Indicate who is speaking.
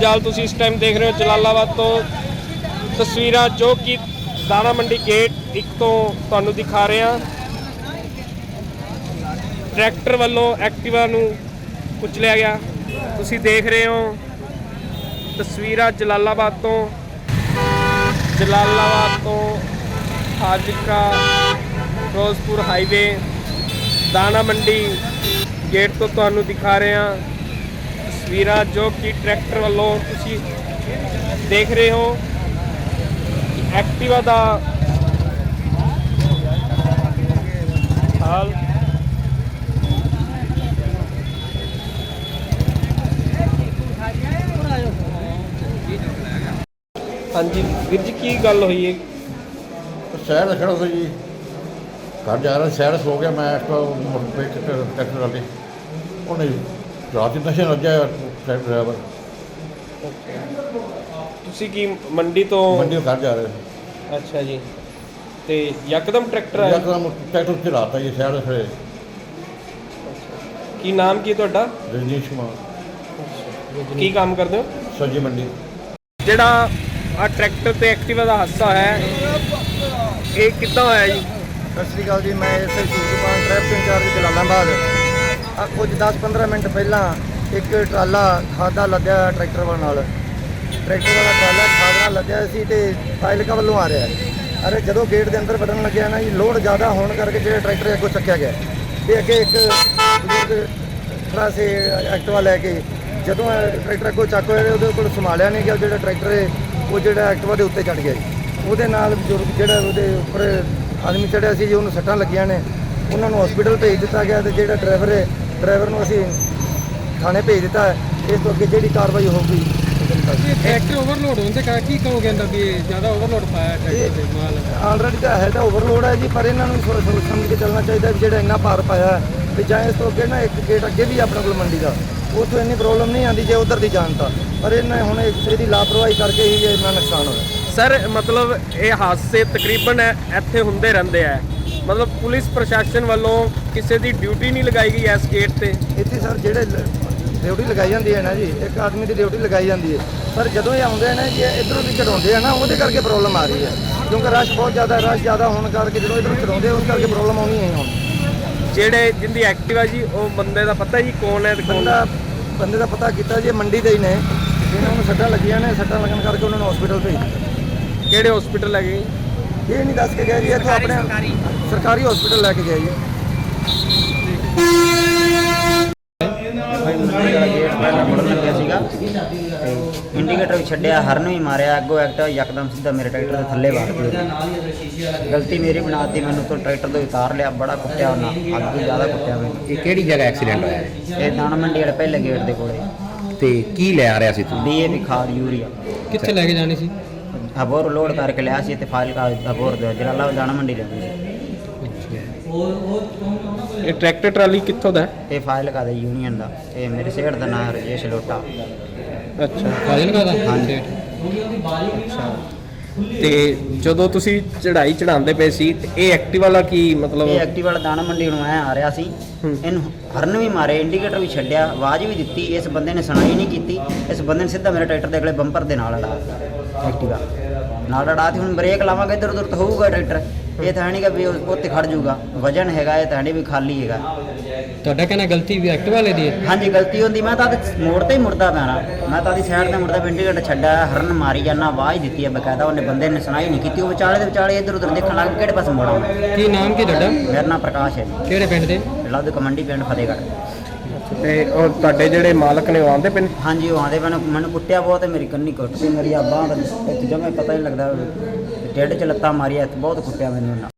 Speaker 1: ਜੰਜਾਲ ਤੁਸੀਂ ਇਸ ਟਾਈਮ ਦੇਖ ਰਹੇ ਹੋ ਜਲਾਲਾਬਾਦ ਤੋਂ ਤਸਵੀਰਾਂ ਜੋ ਕਿ ਦਾਣਾ ਮੰਡੀ ਗੇਟ 1 ਤੋਂ ਤੁਹਾਨੂੰ ਦਿਖਾ ਰਹੇ ਹਾਂ। ਟਰੈਕਟਰ ਵੱਲੋਂ ਐਕਟਿਵਾ ਨੂੰ ਕੁਚਲਿਆ ਗਿਆ। ਤੁਸੀਂ ਦੇਖ ਰਹੇ ਹੋ ਤਸਵੀਰਾਂ ਜਲਾਲਾਬਾਦ ਤੋਂ ਫਾਜ਼ਿਲਕਾ ਫਿਰੋਜ਼ਪੁਰ ਹਾਈਵੇ ਦਾਣਾ ਮੰਡੀ ਗੇਟ ਤੋਂ ਤੁਹਾਨੂੰ ਦਿਖਾ ਰਹੇ ਹਾਂ ਤਸਵੀਰਾਂ ਜੋ ਕਿ ਟਰੈਕਟਰ ਵੱਲੋਂ ਤੁਸੀਂ ਦੇਖ ਰਹੇ ਹੋ ਐਕਟਿਵਾ ਦਾ ਹਾਲ। ਹਾਂਜੀ ਵੀਰ ਜੀ, ਕੀ ਗੱਲ ਹੋਈ ਹੈ?
Speaker 2: शहर खड़ा था जी, घर जा रहा शहर सो गया मैं ट्रैक्टर वाले उन्हें रात नशे लग्या ट्रैक्टर ड्राइवर।
Speaker 1: ਤੁਸੀਂ ਕੀ ਮੰਡੀ ਤੋਂ
Speaker 2: मंडी घर जा रहे
Speaker 1: ਅੱਛਾ ਜੀ, ਤੇ ਯਕਦਮ ਟਰੈਕਟਰ ਆਇਆ?
Speaker 2: एकदम ट्रैक्टर चलाता जी शहर खड़े।
Speaker 1: ਕੀ ਨਾਮ ਕੀ ਤੁਹਾਡਾ?
Speaker 2: रजनीश कुमार।
Speaker 1: ਕੀ ਕੰਮ ਕਰਦੇ ਹੋ?
Speaker 2: सब्जी मंडी।
Speaker 1: ਜਿਹੜਾ ਆ ਟਰੈਕਟਰ ਤੇ ਐਕਟਿਵਾ ਦਾ ਹਾਦਸਾ ਹੈ ਇਹ ਕਿੱਦਾਂ ਹੋਇਆ ਜੀ?
Speaker 3: ਸਤਿ ਸ਼੍ਰੀ ਅਕਾਲ ਜੀ, ਮੈਂ SI Surajpal traffic incharge Jalalabad. ਆ ਕੁਝ 10-15 ਮਿੰਟ ਪਹਿਲਾਂ ਇੱਕ ਟਰਾਲਾ ਖਾਦਾ ਲੱਦਿਆ ਟਰੈਕਟਰ ਨਾਲ। ਟਰੈਕਟਰ ਵਾਲਾ ਟਰਾਲਾ ਖਾਦ ਨਾਲ ਲੱਦਿਆ ਸੀ ਤੇ ਫਾਜ਼ਿਲਕਾ ਵੱਲੋਂ ਆ ਰਿਹਾ। ਅਰੇ ਜਦੋਂ ਗੇਟ ਦੇ ਅੰਦਰ ਵੜਨ ਲੱਗਿਆ ਨਾ ਜੀ, ਲੋਡ ਜ਼ਿਆਦਾ ਹੋਣ ਕਰਕੇ ਜਿਹੜਾ ਟਰੈਕਟਰ ਅੱਗੋਂ ਚੱਕਿਆ ਗਿਆ ਤੇ ਅੱਗੇ ਇੱਕ ਬਜ਼ੁਰਗ ਖੜਾ ਸੀ ਐਕਟਿਵਾ ਲੈ ਕੇ। ਜਦੋਂ ਟਰੈਕਟਰ ਅੱਗੋਂ ਚੱਕ ਹੋਇਆ ਉਹਦੇ ਕੋਲ ਸੰਭਾਲਿਆ ਨਹੀਂ ਗਿਆ। ਜਿਹੜਾ ਟਰੈਕਟਰ ਹੈ ਉਹ ਜਿਹੜਾ ਐਕਟਿਵਾ ਦੇ ਉੱਤੇ ਚੜ੍ਹ ਗਿਆ ਜੀ। ਉਹਦੇ ਨਾਲ ਬਜ਼ੁਰਗ ਜਿਹੜਾ ਉਹਦੇ ਉੱਪਰ ਆਦਮੀ ਚੜ੍ਹਿਆ ਸੀ ਜੀ, ਉਹਨੂੰ ਸੱਟਾਂ ਲੱਗੀਆਂ ਨੇ। ਉਹਨਾਂ ਨੂੰ ਹਸਪੀਟਲ ਭੇਜ ਦਿੱਤਾ ਗਿਆ ਤੇ ਜਿਹੜਾ ਡਰਾਈਵਰ ਹੈ ਡਰਾਈਵਰ ਨੂੰ ਅਸੀਂ ਥਾਣੇ ਭੇਜ ਦਿੱਤਾ ਹੈ। ਇਸ ਤੋਂ ਅੱਗੇ ਜਿਹੜੀ ਕਾਰਵਾਈ ਹੋਊਗੀ।
Speaker 4: ਟਰੈਕਟਰ ਓਵਰਲੋਡ ਹੋਣ ਦੇ ਕਾਰਨ ਕੀ ਕਹੋਗੇ ਅੰਦਰ ਵੀ ਜ਼ਿਆਦਾ ਓਵਰਲੋਡ ਪਾਇਆ ਟਰੈਕਟਰ ਤੇ ਮਾਲ?
Speaker 3: ਆਲਰੇਡੀ ਤਾਂ ਹੈ ਤਾਂ ਓਵਰਲੋਡ ਹੈ ਜੀ, ਪਰ ਇਹਨਾਂ ਨੂੰ ਸੋਚ ਸਮਝ ਕੇ ਚੱਲਣਾ ਚਾਹੀਦਾ ਵੀ ਜਿਹੜਾ ਇੰਨਾ ਭਾਰ ਪਾਇਆ ਵੀ ਜਾਂ ਇਸ ਤੋਂ ਅੱਗੇ ਨਾ ਇੱਕ ਗੇਟ ਅੱਗੇ ਵੀ ਆਪਣੇ ਕੋਲ ਮੰਡੀ ਦਾ, ਉੱਥੋਂ ਇੰਨੀ ਪ੍ਰੋਬਲਮ ਨਹੀਂ ਆਉਂਦੀ ਜੇ ਉਧਰ ਦੀ ਜਾਣ ਤਾਂ। ਪਰ ਇਹਨਾਂ ਹੁਣ ਇਹਦੀ ਲਾਪਰਵਾਹੀ ਕਰਕੇ ਹੀ ਇੰਨਾ ਨੁਕਸਾਨ ਹੋਇਆ।
Speaker 1: ਸਰ ਮਤਲਬ ਇਹ ਹਾਦਸੇ ਤਕਰੀਬਨ ਇੱਥੇ ਹੁੰਦੇ ਰਹਿੰਦੇ ਆ, ਮਤਲਬ ਪੁਲਿਸ ਪ੍ਰਸ਼ਾਸਨ ਵੱਲੋਂ ਕਿਸੇ ਦੀ ਡਿਊਟੀ ਨਹੀਂ ਲਗਾਈ ਗਈ ਇਸ ਗੇਟ ਤੇ?
Speaker 3: ਇੱਥੇ ਸਰ ਜਿਹੜੇ ਡਿਊਟੀ ਲਗਾਈ ਜਾਂਦੀ ਹੈ ਨਾ ਜੀ, ਇੱਕ ਆਦਮੀ ਦੀ ਡਿਊਟੀ ਲਗਾਈ ਜਾਂਦੀ ਹੈ। ਪਰ ਜਦੋਂ ਇਹ ਆਉਂਦੇ ਨੇ ਜੀ ਇੱਧਰੋਂ ਦੀ ਚੜਾਉਂਦੇ ਆ ਨਾ, ਉਹਦੇ ਕਰਕੇ ਪ੍ਰੋਬਲਮ ਆ ਰਹੀ ਹੈ। ਕਿਉਂਕਿ ਰਸ਼ ਬਹੁਤ ਜ਼ਿਆਦਾ, ਰਸ਼ ਜ਼ਿਆਦਾ ਹੋਣ ਕਰਕੇ ਜਦੋਂ ਇੱਧਰੋਂ ਚੜਾਉਂਦੇ ਉਸ ਕਰਕੇ ਪ੍ਰੋਬਲਮ ਆਉਣੀ ਹੈ ਹੁਣ।
Speaker 1: ਜਿਹੜੇ ਜਿੰਦੀ ਐਕਟਿਵਾ ਜੀ ਉਹ ਬੰਦੇ ਦਾ ਪਤਾ ਜੀ ਕੌਣ ਹੈ?
Speaker 3: ਬੰਦੇ ਦਾ ਪਤਾ ਕੀਤਾ ਜੀ, ਮੰਡੀ ਦੇ ਹੀ ਨੇ ਜਿਹਨਾਂ ਨੂੰ ਸੱਟਾਂ ਲੱਗੀਆਂ ਨੇ। ਸੱਟਾਂ ਲੱਗਣ ਕਰਕੇ ਉਹਨਾਂ ਨੂੰ ਹਸਪੀਟਲ ਭੇਜ ਦਿੱਤਾ।
Speaker 1: ਕਿਹੜੇ ਹਸਪੀਟਲ ਲੈ ਗਏ?
Speaker 3: ਇਹ ਨਹੀਂ ਦੱਸ ਕੇ ਗਿਆ ਜੀ, ਇੱਥੇ ਆਪਣੇ ਸਰਕਾਰੀ ਹਸਪੀਟਲ ਲੈ ਕੇ ਗਿਆ ਜੀ।
Speaker 5: ਮੁੜਨ ਲੱਗਿਆ ਸੀਗਾ ਤੇ ਇੰਡੀਕੇਟਰ ਵੀ ਛੱਡਿਆ, ਹਰਨ ਵੀ ਮਾਰਿਆ, ਅੱਗੋਂ ਐਕਟਿਵਾ ਯਕਦਮ ਸਿੱਧਾ ਮੇਰੇ ਟਰੈਕਟਰ ਦੇ ਥੱਲੇ ਵਾਰਤੀ। ਗਲਤੀ ਮੇਰੀ ਬਣਾਤੀ, ਮੈਨੂੰ ਤੋਂ ਟਰੈਕਟਰ ਤੋਂ ਉਤਾਰ ਲਿਆ। ਬੜਾ ਕੁੱਟਿਆ ਉਹਨਾਂ, ਅੱਗ ਤੋਂ ਜ਼ਿਆਦਾ ਕੁੱਟਿਆ ਮੈਨੂੰ।
Speaker 6: ਇਹ ਕਿਹੜੀ ਜਗ੍ਹਾ ਐਕਸੀਡੈਂਟ ਹੋਇਆ ਹੈ?
Speaker 5: ਇਹ ਦਾਣਾ ਮੰਡੀ ਵਾਲੇ ਪਹਿਲੇ ਗੇਟ ਦੇ ਕੋਲੇ।
Speaker 6: ਤੇ ਕੀ ਲੈ ਆ ਰਿਹਾ ਸੀ ਤੂੰ?
Speaker 5: ਡੀਏਪੀ ਖਾਦ ਯੂਰੀਆ
Speaker 4: ਕਿੱਥੇ ਲੈ ਕੇ ਜਾਣੀ ਸੀ?
Speaker 5: ਹਬੋਰ ਲੋਡ ਕਰਕੇ ਲਿਆ ਸੀ ਤੇ ਫਾਜ਼ਿਲਕਾ ਹਬੋਰ ਦੇ ਜਲਾਲਾਬਾਦ ਦਾਣਾ ਮੰਡੀ ਲੈਣੀ ਸੀ।
Speaker 1: ਇਹ ਟਰੈਕਟਰ ਟਰਾਲੀ ਕਿੱਥੋਂ ਦਾ ਹੈ?
Speaker 5: ਇਹ ਫਾਜ਼ਿਲਕਾ ਦੇ ਯੂਨੀਅਨ ਦਾ। ਇਹ ਮੇਰੇ ਸੇਠ ਦਾ ਨਾਮ ਰਜੇਸ਼ ਲੋਟਾ।
Speaker 1: ਅੱਛਾ,
Speaker 4: ਫਾਜ਼ਿਲਕਾ ਦਾ?
Speaker 5: ਹਾਂਜੀ।
Speaker 1: ਤੇ ਜਦੋਂ ਤੁਸੀਂ ਚੜਾਈ ਚੜਾਉਂਦੇ ਪਏ ਸੀ ਤੇ ਇਹ ਐਕਟਿਵਾ ਵਾਲਾ ਕੀ ਮਤਲਬ?
Speaker 5: ਇਹ ਐਕਟਿਵਾ ਵਾਲਾ ਦਾਣਾ ਮੰਡੀ ਨੂੰ ਐ ਆ ਰਿਹਾ ਸੀ। ਇਹਨੂੰ ਹਰਨ ਵੀ ਮਾਰੇ, ਇੰਡੀਕੇਟਰ ਵੀ ਛੱਡਿਆ, ਆਵਾਜ਼ ਵੀ ਦਿੱਤੀ। ਇਸ ਬੰਦੇ ਨੇ ਸੁਣਾਈ ਨਹੀਂ ਕੀਤੀ। ਇਸ ਬੰਦੇ ਨੇ ਸਿੱਧਾ ਮੇਰੇ ਟਰੈਕਟਰ ਦੇ ਅਗਲੇ ਬੰਪਰ ਦੇ ਨਾਲ ਅੜਾ ਐਕਟਿਵਾ ਨਾਲ ਅੜਾਤੀ। ਹੁਣ ਬ੍ਰੇਕ ਲਾਵਾਂਗੇ ਇੱਧਰ ਉੱਧਰ ਤਾਂ ਹੋਊਗਾ ਟਰੈਕਟਰ। ਇਹ ਤਾਂ ਨਹੀਂ ਕਿ ਵੀ ਉੱਥੇ ਖੜ ਜਾਊਗਾ, ਵਜਨ ਹੈਗਾ ਇਹ ਤਾਂ ਨਹੀਂ ਵੀ ਖਾਲੀ ਹੈਗਾ।
Speaker 4: ਤੁਹਾਡਾ ਕਹਿਣਾ ਗਲਤੀ ਵੀ ਐਕਟਿਵਾ ਵਾਲੇ ਦੀ ਹੈ?
Speaker 5: ਹਾਂਜੀ ਗਲਤੀ ਹੁੰਦੀ। ਮੈਂ ਤਾਂ ਮੋੜ ਤੇ ਹੀ ਮੁੜਦਾ ਪੈਣਾ, ਮੈਂ ਤਾਂ ਦੀ ਸਾਈਡ ਤੇ ਮੁੜਦਾ ਪਿਆ, ਇੰਡੀਕੇਟਰ ਛੱਡਿਆ, ਹਰਨ ਮਾਰੀ ਜਾਂਦਾ, ਆਵਾਜ਼ ਦਿੱਤੀ ਹੈ ਬਕਾਇਦਾ। ਉਹਨੇ ਬੰਦੇ ਨੇ ਸੁਣਾਈ ਨਹੀਂ ਕੀਤੀ। ਉਹ ਵਿਚਾਲੇ ਦੇ ਵਿਚਾਲੇ ਇੱਧਰ ਉੱਧਰ ਦੇਖਣ ਲੱਗ ਕਿਹੜੇ ਪਾਸੇ ਮੋੜਾਂ।
Speaker 4: ਕੀ ਨਾਮ ਕੀ ਤੁਹਾਡਾ?
Speaker 5: ਮੇਰਾ ਨਾਮ ਪ੍ਰਕਾਸ਼ ਹੈ ਜੀ।
Speaker 4: ਕਿਹੜੇ ਪਿੰਡ ਦੇ?
Speaker 5: ਲੱਦ ਕਮੰਡੀ ਪਿੰਡ ਫਤਿਹਗੜ੍ਹ।
Speaker 1: ਤੇ ਉਹ ਤੁਹਾਡੇ ਜਿਹੜੇ ਮਾਲਕ ਨੇ ਉਹ ਆਉਂਦੇ ਪਏ ਨੇ?
Speaker 5: ਹਾਂਜੀ ਉਹ ਆਉਂਦੇ ਪੈਣ। ਮੈਨੂੰ ਕੁੱਟਿਆ ਬਹੁਤ ਹੈ, ਮੇਰੀ ਕੰਨੀ ਕੁੱਟਦੀ, ਮੇਰੀ ਆ ਬਾਂਹ ਇੱਕ ਜਮੇ ਪਤਾ ਨਹੀਂ ਲੱਗਦਾ, ਢਿੱਡ 'ਚ ਲੱਤਾਂ ਮਾਰੀਆਂ, ਬਹੁਤ ਕੁੱਟਿਆ ਮੈਨੂੰ ਉਹਨਾਂ।